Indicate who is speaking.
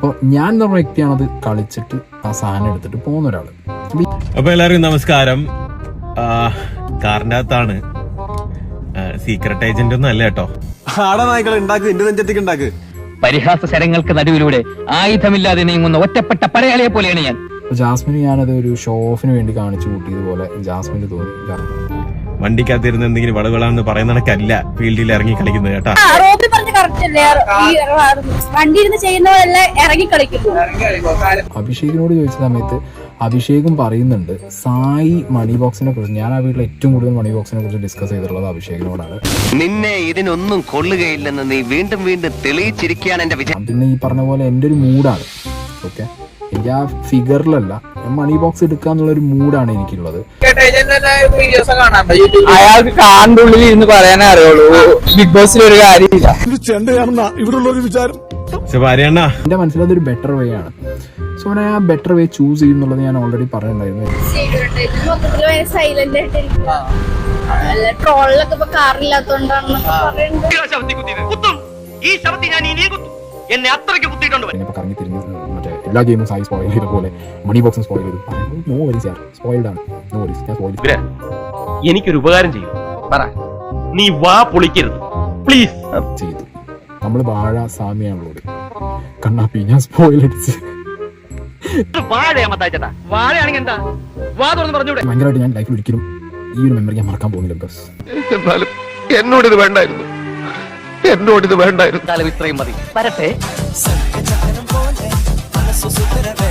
Speaker 1: അപ്പോൾ ഞാൻ എന്ന് പറഞ്ഞ വ്യക്തിയാണത് കളിച്ചിട്ട് ആ സാധനം എടുത്തിട്ട് പോകുന്ന ഒരാൾ.
Speaker 2: അപ്പൊ എല്ലാവർക്കും നമസ്കാരം. കാറിന്റെ അകത്താണ്, സീക്രട്ട് ഏജന്റ് ഒന്നും അല്ല കേട്ടോ.
Speaker 3: പരിഹാസ ശരങ്ങൾക്ക് നടുവിലൂടെ ആയുധമില്ലാതെ നീങ്ങുന്ന ഒറ്റപ്പെട്ട പടയാളിയെ പോലെയാണ് ഞാൻ.
Speaker 1: ജാസ്മിന് ഞാനത് ഒരു ഷോ ഓഫിന് വേണ്ടി കാണിച്ചു കൂട്ടിയതുപോലെ ജാസ്മിന് തോന്നി.
Speaker 2: വണ്ടിക്കകത്തിരുന്ന് എന്തെങ്കിലും വളകളാന്ന് പറയുന്ന കണക്കല്ല ഫീൽഡിൽ ഇറങ്ങി കളിക്കുന്നത് കേട്ടാ.
Speaker 1: അഭിഷേകിനോട് ചോദിച്ച സമയത്ത് അഭിഷേകും പറയുന്നുണ്ട് സായി മണി ബോക്സിനെ കുറിച്ച്. ഞാൻ ആ വീട്ടിൽ ഏറ്റവും കൂടുതൽ മണി ബോക്സിനെ കുറിച്ച് ഡിസ്കസ് ചെയ്തിട്ടുള്ളത് അഭിഷേകിനോടാണ്.
Speaker 4: നിന്നെ ഇതിനൊന്നും കൊള്ളുകയില്ലെന്ന് നീ വീണ്ടും വീണ്ടും തെളിയിച്ചിരിക്കുകയാണ് എന്റെ വിജയം.
Speaker 1: പിന്നെ ഈ പറഞ്ഞ പോലെ എൻ്റെ ഒരു മൂഡാണ്. ഓക്കെ, എനിക്ക് ആ ഫിഗറിലല്ല, മണി ബോക്സ് എടുക്കുക എന്നുള്ളൊരു മൂഡാണ് എനിക്കുള്ളത്.
Speaker 5: അയാൾക്ക് കാറിന്റെ ഉള്ളിൽ ഇരുന്ന് പറയാനേ അറിയുള്ളൂ, ബിഗ് ബോസിൽ ഒരു കാര്യമില്ല.
Speaker 1: എന്റെ മനസ്സിൽ അതൊരു ബെറ്റർ വേ ആണ്. സോ ഞാൻ ആ ബെറ്റർ വേ ചൂസ് ചെയ്യുന്നുള്ളത് ഞാൻ ഓൾറെഡി പറഞ്ഞിട്ടുണ്ടായിരുന്നു. കറങ്ങി തിരിഞ്ഞ് മറ്റേ എല്ലാ ഗെയിമും സായി സ്പോയിൽ ചെയ്ത പോലെ മണി ബോക്സും സ്പോയിൽ ചെയ്തു. നോ വരീസ് യാർ, സ്പോയിൽഡ് ആണ്. നോ വരീസ്, ഞാൻ സ്പോയിൽ.
Speaker 6: എനിക്കൊരു ഉപകാരം ചെയ്യും, നീ വാ പൊളിക്കരുത് പ്ലീസ്.
Speaker 1: ചെയ്തു. നമ്മള് വാഴ സാമ്യാണുള്ളത്. കണ്ണാപ്പി ഞാൻ സ്പോയിൽ അടിച്ച് ഭയങ്കരമായിട്ട് ഞാൻ ലൈഫിൽ ഒരിക്കലും ഈ ഒരു മെമ്മറി ഞാൻ മറക്കാൻ പോകുന്നില്ല. ബിക്കോസ്
Speaker 6: എന്നാലും എന്നോടിത് വേണ്ടായിരുന്നു, എന്നോടിത് വേണ്ടായിരുന്നു.
Speaker 3: ഇത്രയും മതി. വരട്ടെ.